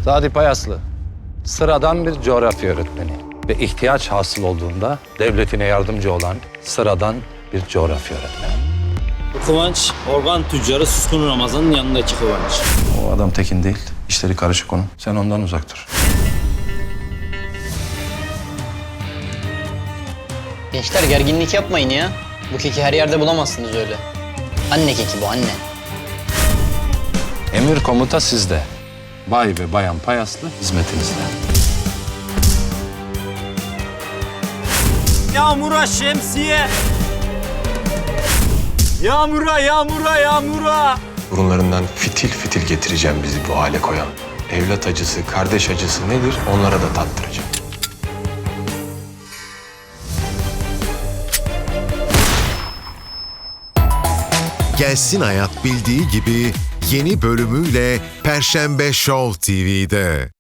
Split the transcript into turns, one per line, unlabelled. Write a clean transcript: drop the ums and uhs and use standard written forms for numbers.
Sadi Payaslı, sıradan bir coğrafya öğretmeni ve ihtiyaç hasıl olduğunda devletine yardımcı olan sıradan bir coğrafya öğretmeni.
Bu Kıvanç, organ tüccarı Suskun Ramazan'ın yanındaki Kıvanç.
O adam tekin değil, işleri karışık onun. Sen ondan uzak dur.
Gençler gerginlik yapmayın ya. Bu keki her yerde bulamazsınız öyle. Anne keki bu, anne.
Emir komuta sizde. Bay ve bayan Payaslı hizmetinizde.
Yağmura şemsiye! Yağmura, yağmura, yağmura!
Burunlarından fitil fitil getireceğim bizi bu hale koyan. Evlat acısı, kardeş acısı nedir onlara da tattıracağım.
Gelsin Hayat bildiği gibi yeni bölümüyle Perşembe Show TV'de.